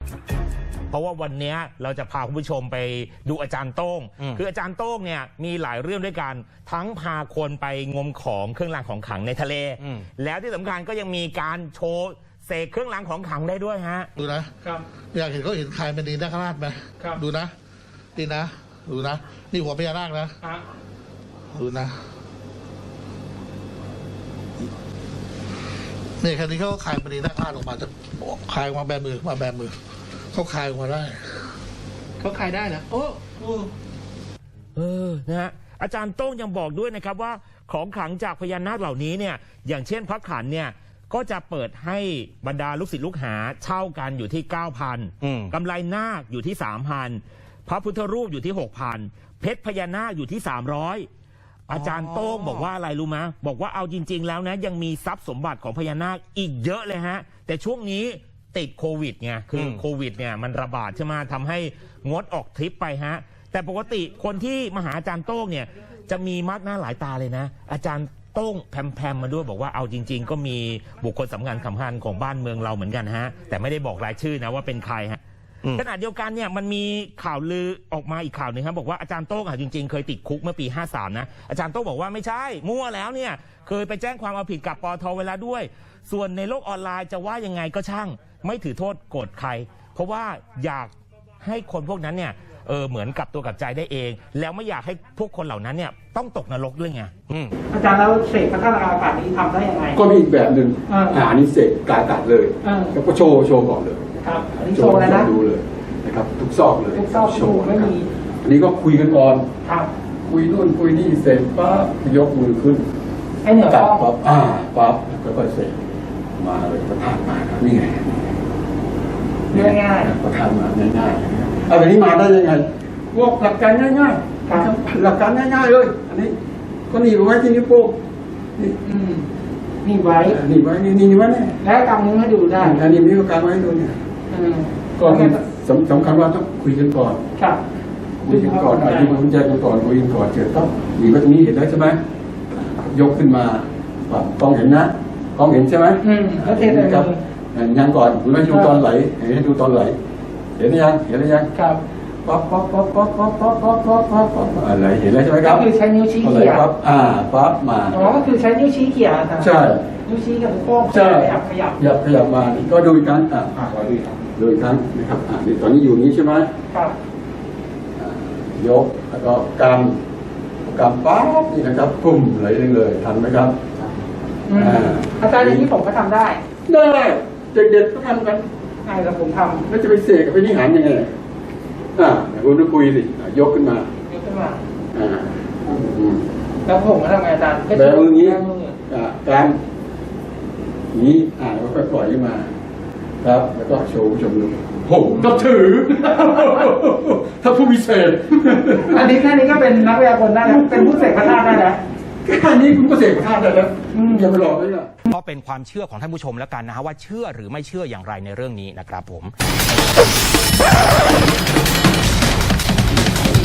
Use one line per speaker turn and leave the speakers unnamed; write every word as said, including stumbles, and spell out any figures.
เพราะว่าวันนี้เราจะพาคุณผู้ชมไปดูอาจารย์โต้งคืออาจารย์โต้งเนี่ยมีหลายเรื่องด้วยกันทั้งพาคนไปงมของเครื่องรางของขลังในทะเลแล้วที่สำคัญก็ยังมีการโชว์เสกเครื่องรางของขลังได้ด้วยฮะ
ดูนะครับอยากเห็นเขาเห็นใครเป็นดีนาคราชไหมดูนะดีนะดูนะนี่หัวพญานาคนะดูนะนี่แค่นี้เขาคลายเป็นดีนาคราชออกมาจะคลายออกมาแบมือมาแบมือเขาคลายออกมาได้
เขาคลายได้นะโอ้
เออนะฮะอาจารย์โต้งยังบอกด้วยนะครับว่าของขลังจากพญานาคเหล่านี้เนี่ยอย่างเช่นพระขันเนี่ยก็จะเปิดให้บรรดาลูกศิษย์ลูกหาเช่ากันอยู่ที่ เก้าพัน กำไลนาคอยู่ที่ สามพัน พระพุทธรูปอยู่ที่ หกพัน เพชรพญานาคอยู่ที่ สามร้อย อาจารย์โต้งบอกว่าอะไรรู้ไหมบอกว่าเอาจริงๆแล้วนะยังมีทรัพย์สมบัติของพญานาคอีกเยอะเลยฮะแต่ช่วงนี้ติดโควิดไงคือโควิดเนี่ยมันระบาดใช่ไหมทำให้งดออกทริปไปฮะแต่ปกติคนที่มาหาอาจารย์โต้งเนี่ยจะมีมากหน้าหลายตาเลยนะอาจารย์โต้งแพมๆมาด้วยบอกว่าเอาจริงๆก็มีบุคคลสำคัญสำคัญของบ้านเมืองเราเหมือนกันฮะแต่ไม่ได้บอกรายชื่อนะว่าเป็นใครฮะขณะเดียวกันเนี่ยมันมีข่าวลือออกมาอีกข่าวหนึ่งครับบอกว่าอาจารย์โต้งจริงๆเคยติดคุกเมื่อปีห้าสามนะอาจารย์โต้งบอกว่าไม่ใช่มั่วแล้วเนี่ยเคยไปแจ้งความเอาผิดกับปทเวลาด้วยส่วนในโลกออนไลน์จะว่ายังไงก็ช่างไม่ถือโทษโกรธใครเพราะว่าอยากให้คนพวกนั้นเนี่ยเออเหมือนกับตัวกับใจได้เองแล้วไม่อยากให้พวกคนเหล่านั้นเนี่ยต้องตกนรกด้วยไง
อาจารย์แล้วเสกพระธาตุอากาศนี้ทำได้ยังไง
ก็มีอีกแบบหนึ่งอ่านี่เสกกายตัดเลยแล้วก็โชว์โชว์ก่อนเลย
ครับอันนี้โชว์แล้วนะ
ดูเลยนะครับทุกซอกเลย
ทุกซอกโชว์ไม่มี
อันนี้ก็คุยกันก่อน
ครับ
คุยนู่นคุยนี่เสร็จปั๊บยกมือขึ้น
ให้เหนือปั๊บ
ปั๊บอ่าปั๊บก็ค่อยเสกมาเลยประทานมาครับนี่ไง
ง่าย
ๆประทานมาง่ายๆเอาแบบนี้มาได้ยังไงพวกหลักการง่ายๆหลักการง่ายๆเลยอันนี้ก็หนีบไว้ที่นิ้วโป้งนี่
นี่ไว้
หนีบไว้นี่นี่ไว้เนี่ย
แล้วกำมือให้ดูได้
อันนี้มีการไว้ดูเนี่ยก็สำคัญว่าต้องคุยกันก่อนคุยกันก่อนอธิบายใจกันก่อนคุยกันก่อนเจอต้องหนีไว้ตรงนี้เห็นได้ใช่ไหมยกขึ้นมากล้องเห็นนะกล้องเห็นใช่ไหม
อืมแล้วเทเลย
ครับยังก่อนคุณไม่ดูตอนไหลเห็นดูตอนไหลเห็นหรือยังเห็นหรือยัง
ครับ
ป๊อปป๊อปป๊อปป๊อปป๊อปป๊อปป๊อปป๊อปป๊อปป๊อปอะไรเห็นแล้วใช่ไหมครับ
ก็คือใช้นิ้วชี้เขี่ย
ป๊อปอ่าป๊อปมา
อ๋อก็คือใช้นิ้วชี้เขี่ย
ใช่
นิ้วชี้กับนิ้วโป้ง
ใช่
ขยับขยับ
ขยับขยับมาก็ดูอีกครั้งอ่าขอดูอีกครั้งดูอีกครั้งนะครับอ่าตอนนี้อยู่นี้ใช่ไหม
ครับ
ยกแล้วก็กำกำป๊อปนี่นะครับปุ่มไหลเลยทันไหมครับ
อาจารย์อย่างนี้ผมก็ทำได้
ได้เด็กๆก็ทำกัน
ใช่แล้วผมทำ
แล้วจะไปเสกกับไปนิหารยังไงอ่าคุณต้องคุยสิยกขึ้นม
ายกขึ้นมา
อ่า
แล้วผมก็ทำไงอาจารย์
แบบมือนี้อ่าการนี้อ่าแล้วก็ปล่อยขึ้นมาครับแล้วก็โชว์ชมดูผมก็ถือถ้าผู้พิเศษ
อันนี้แค่นี้ก็เป็นนักวิทยากรได้แล้วเป็นผู้เสกพระธาตุได้แล้ว
แค่นี้คุณก็เสกพระธาตุได้แล้วอย่าไปหลอกเลยนะ
ก็เป็นความเชื่อของท่านผู้ชมแล้วกันนะฮะว่าเชื่อหรือไม่เชื่ออย่างไรในเรื่องนี้นะครับผม